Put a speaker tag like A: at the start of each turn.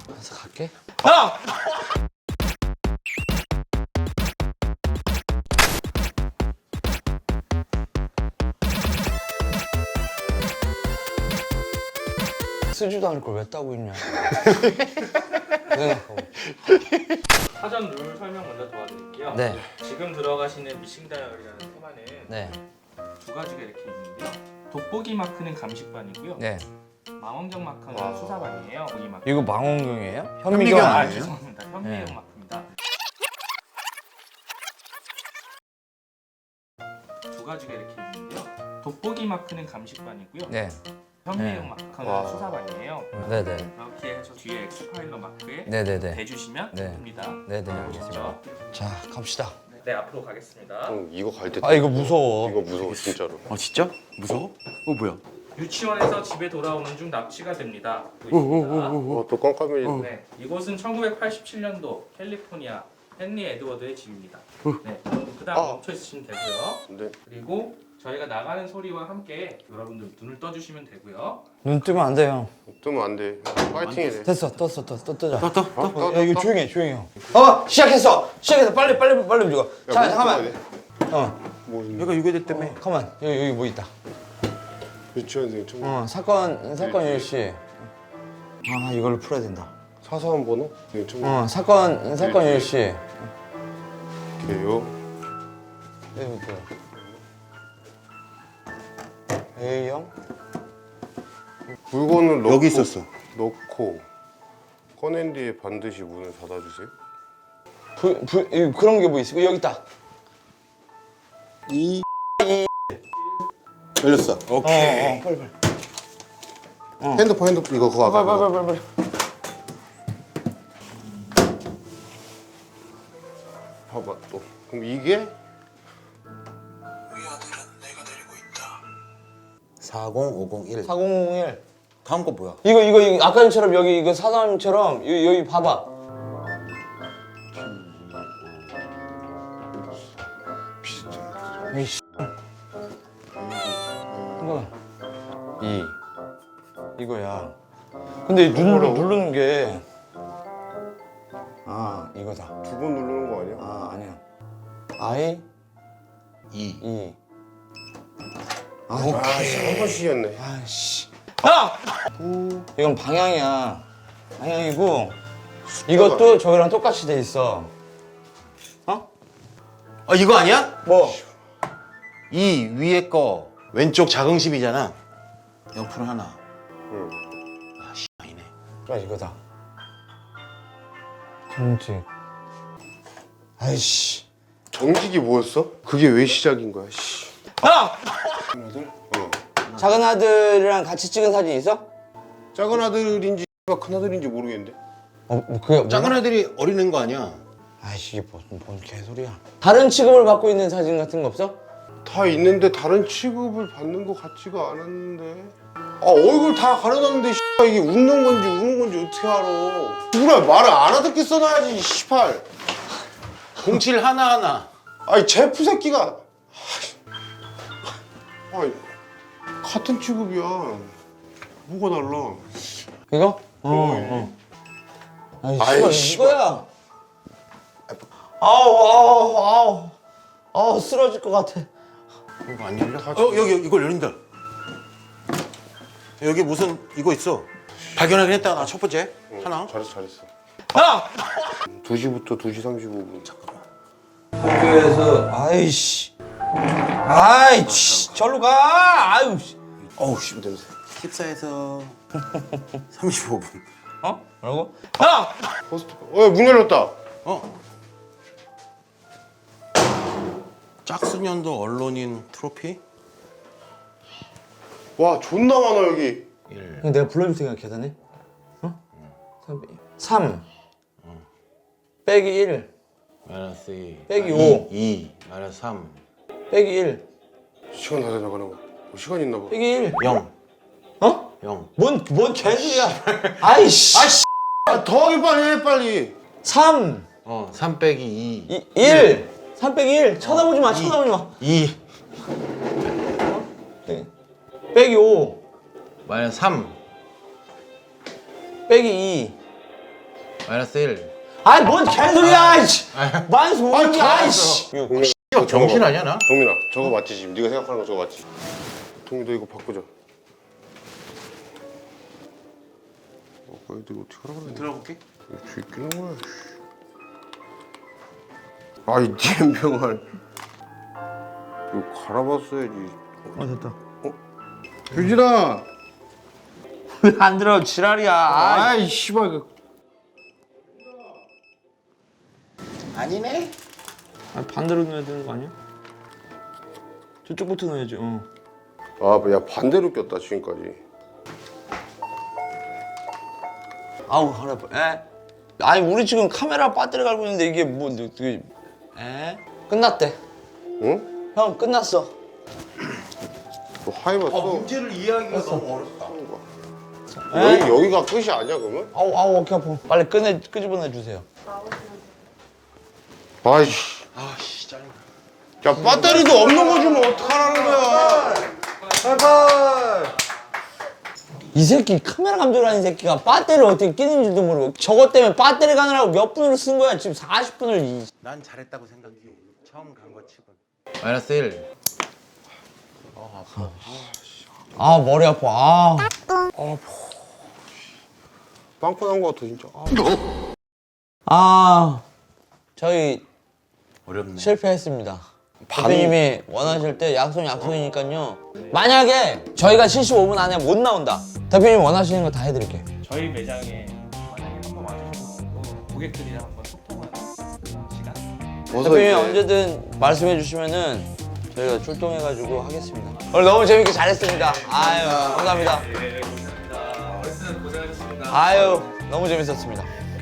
A: 그래서 갈게.
B: 형!
A: 쓰지도 않을 걸 왜 따고 있냐. 생각하고.
B: 사전 룰 설명 먼저 도와드릴게요.
A: 네.
B: 지금 들어가시는 미싱 다이어리라는 테마는
A: 네.
B: 두 가지가 이렇게 있는데요. 돋보기 마크는 감식반이고요.
A: 네.
B: 망원경 마크는
A: 와.
B: 수사반이에요. 보기 마크.
A: 이거 망원경이에요?
C: 현미경
A: 현미경
B: 아,
C: 아니에요?
B: 죄송합니다. 현미경
A: 네.
B: 마크입니다. 두 가지가 이렇게 있는데요. 돋보기 마크는 감식반이고요.
A: 네.
B: 현미경
A: 네.
B: 마크는
C: 와.
B: 수사반이에요.
A: 네네.
B: 이렇게 해서 뒤에 엑스파일러 마크에
A: 네네네.
B: 대주시면
A: 네.
B: 됩니다.
A: 네네.
B: 보시죠.
A: 자, 갑시다.
B: 네, 앞으로 가겠습니다.
C: 형 이거 갈 때.
A: 아, 이거 무서워.
C: 이거 무서워 진짜로.
D: 아 진짜? 무서워? 뭐야?
B: 유치원에서 집에 돌아오는 중 납치가 됩니다.
C: 또 깜깜이.
B: 네, 이곳은 1987년도 캘리포니아 헨리 에드워드의 집입니다. 네, 그다음 멈춰 있으시면 되고요.
C: 네.
B: 그리고 저희가 나가는 소리와 함께 여러분들 눈을 떠주시면 되고요.
A: 눈 뜨면 안 돼요.
C: 뜨면 안 돼. 파이팅이네.
A: 됐어. 떴어. 뜨자.
D: 떠.
A: 야, 이거 조용히 해. 조용히 해. 시작했어. 빨리 움직여. 자, 잠깐만.
C: 뭐
D: 얘가 유괴됐 때문에.
A: 가만. 여기 뭐 있다.
C: 유치원생 좀
A: 사건 일시. 아, 이걸로 풀어야 된다.
C: 사소한 번호? 네, 좀
A: 사건 일시.
C: 게요.
A: A형?
C: 물건을 넣고,
D: 여기 있었어.
C: 넣고 꺼낸 뒤에 반드시 문을 닫아주세요.
A: 그런 게 뭐 있어? 여기 있다.
D: 열렸어. 오케이.
A: 빨리.
C: 핸드폰 이거 그거 아까 그거.
A: 빨리.
C: 봐봐 또. 그럼 이게
D: 40501.
A: 4001.
D: 다음 거 뭐야?
A: 이거 아까처럼 여기 이거 사장님처럼 여기 봐봐. 이씨. 이거야. 근데 누르는 게 이거다.
C: 두 번 누르는 거 아니야?
A: 아니야. I
D: 2.
C: 한 번씩이었네.
A: 아씨. 이건 방향이야. 방향이고 이것도 저기랑 똑같이 돼 있어.
D: 아 이거 아니야?
A: 뭐?
D: 이 위에 거 왼쪽 자긍심이잖아. 옆으로 하나.
C: 응.
D: 아씨 아니네.
A: 그래 이거다. 정직. 아이씨.
C: 정직이 뭐였어? 그게 왜 시작인 거야? 씨.
A: 아들? 작은 아들이랑 같이 찍은 사진 있어?
C: 작은 아들인지 큰 아들인지 모르겠는데.
A: 그게
D: 작은 애들이 어린애인 거 아니야?
A: 아이씨 이게 뭔 개소리야. 다른 취급을 받고 있는 사진 같은 거 없어?
C: 다 있는데 다른 취급을 받는 것 같지가 않았는데. 얼굴 다 가려놨는데 이게 웃는 건지 우는 건지 어떻게 알아? 누가 말을 안 하듣게 써놔야지 씨발.
D: 07 하나하나.
C: 아니 제프 새끼가. 아니 같은 취급이야. 뭐가 달라?
A: 이거?
C: 아이,
A: 씨발 이거야. 아우 쓰러질 것 같아.
D: 이거 안 열려? 여기 이걸 열린다. 여기 무슨 이거 있어. 발견하긴 했다. 나 첫 번째 하나.
C: 잘했어. 2시부터 2시 35분.
D: 잠깐만.
A: 학교에서 아이씨 절로 가. 아유
D: 어우 씨 냄새. 14에서 35분.
A: 뭐라고?
C: 포스트. 문 열렸다.
D: 짝수년도 언론인 트로피?
C: 와 존나 많아 여기.
D: 1.
A: 그냥 내가 불러줄 테니까 계산해. 3 빼기 1
D: 마이너스 2.
A: 빼기 5
D: 2. 마이너스 3.
A: 빼기 1
C: 시간 다 되나 그럼. 시간 있나 봐.
A: 빼기 1
D: 0.
A: 어?
D: 0.
A: 뭔 개소리야. 아이씨
C: 더하기 빨리 해 빨리.
A: 3
D: 3 빼기 2.
A: 1 3 빼기 1 쳐다보지 마.
D: 2.
A: 빼기 5
D: 마이너스 3.
A: 빼기 2
D: 마이너스 1.
A: 아이 뭔 개소리야 이씨. 마이너스 5야 아이씨.
C: 동민아,
D: 정신 아니야 나?
C: 동민아, 저거 맞지 지금? 네가 생각하는 거 저거 맞지? 동민 너 이거 바꾸자. 이거 어떻게 하라고 그래?
D: 들어볼게.
C: 이거 끼는 거야. 아이 잼병아. 이거 갈아봤어야지.
A: 됐다.
C: 유진아.
A: 왜 안 들어 지랄이야.
C: 아이 씨발 이거.
D: 아니네.
A: 반대로 넣어야 되는 거 아니야? 저쪽부터 넣어야지.
C: 야 반대로 꼈다 지금까지.
A: 아우 허리 아파. 에? 아니 우리 지금 카메라 배터리 갈고 있는데 이게 뭐 어떻게? 에? 끝났대.
C: 응?
A: 형 끝났어.
C: 너 하이 봤어?
D: 문제를 이해하기가 너무 어렵다.
C: 여기가 끝이 아니야 그러면?
A: 아우 어깨 아파. 빨리 끄집어내 주세요.
C: 아이씨.
D: 아씨 짜증나.
C: 야 배터리도 없는 거 주면 어떡하라는 거야?
A: 이 새끼 카메라 감독이라는 새끼가 배터리를 어떻게 끼는지도 모르고 저것 때문에 배터리 가느라고 몇 분을 쓴 거야 지금 40분을.
D: 난 잘했다고 생각해. 처음 간 거 치고. 마이너스 1.
A: 아 머리 아파.
C: 빵꾸 난 거 같아 진짜.
A: 저희
D: 어렵네.
A: 실패했습니다. 대표님이 원하실 때 약속이니까요. 만약에 저희가 75분 안에 못 나온다. 대표님 원하시는 거 다 해드릴게요.
B: 저희 매장에 만약에 한번 와주시고 또 고객들이랑 한번 소통하는 시간.
A: 대표님 언제든 말씀해 주시면은 저희가 출동해가지고 하겠습니다. 오늘 너무 재밌게 잘했습니다. 아유 감사합니다.
B: 네, 고생합니다. 어르신 고생하셨습니다.
A: 아유 너무 재밌었습니다.